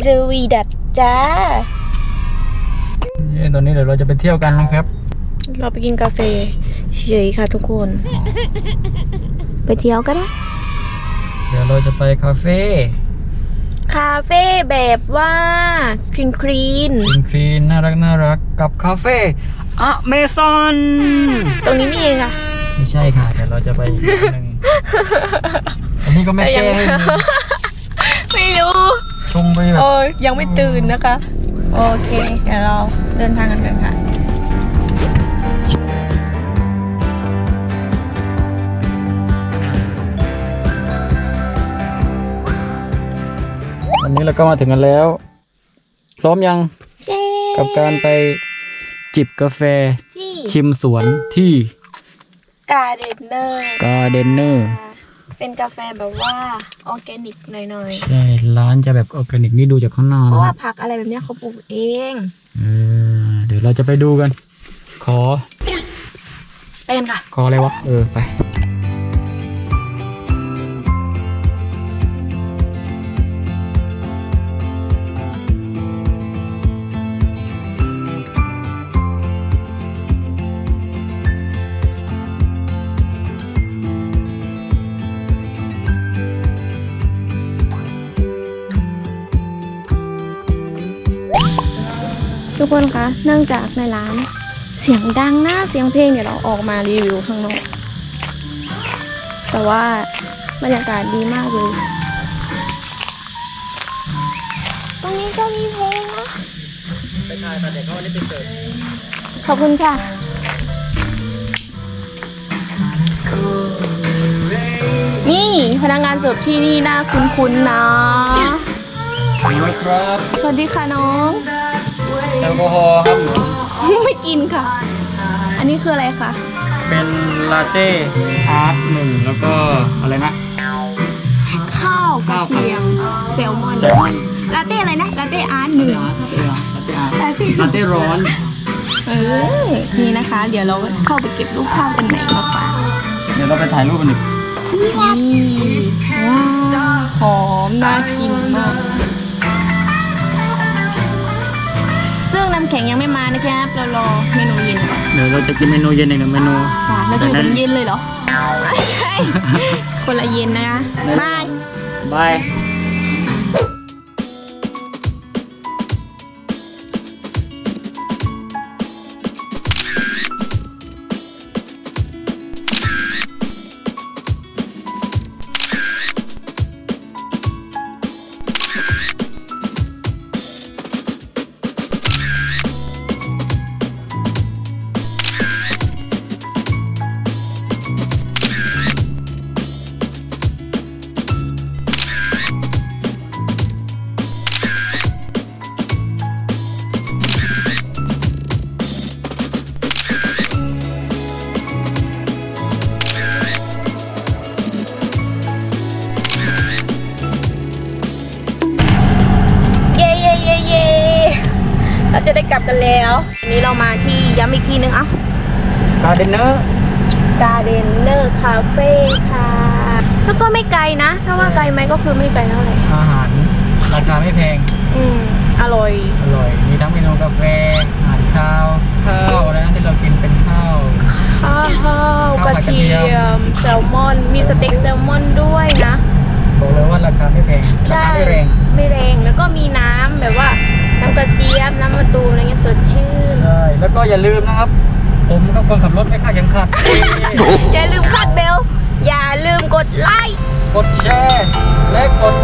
สวีดัตจ้าตอนนี้เดี๋ยวเราจะไปเที่ยวกันนะครับเราไปกินกาแฟเฉยค่ะทุกคนไปเที่ยวก็ได้เดี๋ยวเราจะไปคาเฟ่แบบว่าคลีนคลีนน่ารักกับคาเฟ่อเมซอนตรงนี้นี่เองอะไม่ใช่ค่ะเดี๋ยวเราจะไปอีกหนึ่งอันนี้ก็ไม่แก้ให้ไม่รู้ชงไปแบบยังไม่ตื่นนะคะโอเคเดี๋ยวเราเดินทางกันกันค่ะวันนี้เราก็มาถึงกันแล้วพร้อมยังกับการไปจิบกาแฟชิมสวนที่การ์เดนเนอร์เป็นกาแฟแบบว่าออร์แกนิกหน่อยๆใช่ร้านจะแบบออร์แกนิกนี่ดูจากข้างนอกเพราะว่าผักอะไรแบบนี้เขาปลูกเองเดี๋ยวเราจะไปดูกันขอไปกันค่ะขออะไรวะไปทุกคนคะเนื่องจากในร้านเสียงดังนะเสียงเพลงเดี๋ยวเราออกมารีวิวข้างนอกแต่ว่าบรรยากาศดีมากเลยตรงนี้ก็มีเพลงนะไปถ่ายแต่เด็กเขาวันนี้ไปเกิดขอบคุณค่ะนี่พนักงานเสิร์ฟที่นี่น่าคุ้นๆนะสวัสดีครับสวัสดีค่ะน้องแอลกอฮอล์ครับไม่กินค่ะอันนี้คืออะไรคะเป็นลาเต้อาร์ต1แล้วก็อะไรนะข้าวกระเทียมแซลมอนลาเต้อะไรนะลาเต้อาร์ต1 ลาเต้ร้อนนี่นะคะเดี๋ยวเราเข้าไปเก็บรูปภาพกันไหนมาฝากเดี๋ยวเราไปถ่ายรูปกันหนึ่งว้าวหอมน่ากินมากซึ่งน้ำแข็งยังไม่มานะครับเรารอเมนูเย็นเดี๋ยวเราจะกินเมนูเย็นอีกหนึ่งเมนูค่ะเราจะกินเย็นเลยเหรอไม่ใช่คนละเย็นนะคะบายเราจะได้กลับกันแล้ววันนี้เรามาที่ย้ำอีกทีนึงการ์เดนเนอร์คาเฟ่ค่ะแล้วก็ไม่ไกลนะถ้าว่าไกลไหมก็คือไม่ไกลเท่าไหร่อาหารราคาไม่แพงอร่อยมีทั้งเมนูกาแฟอาหารข้าวนะที่เรากินเป็นข้าวกระเทียมแซลมอนมีสเต็กแซลมอนด้วยนะบอกเลยว่าราคาไม่แพงราคาไม่แรงแล้วก็มีน้ำแบบว่าน้ำกระเจี๊ยบน้ำมะตูมอะไรเงี้ยสดชื่นใช่แล้วก็อย่าลืมนะครับผมกับคนขับรถไม่คาดเข็มขัดอย่าลืมคาดเบลอย่าลืมกดไลค์กดแชร์และกด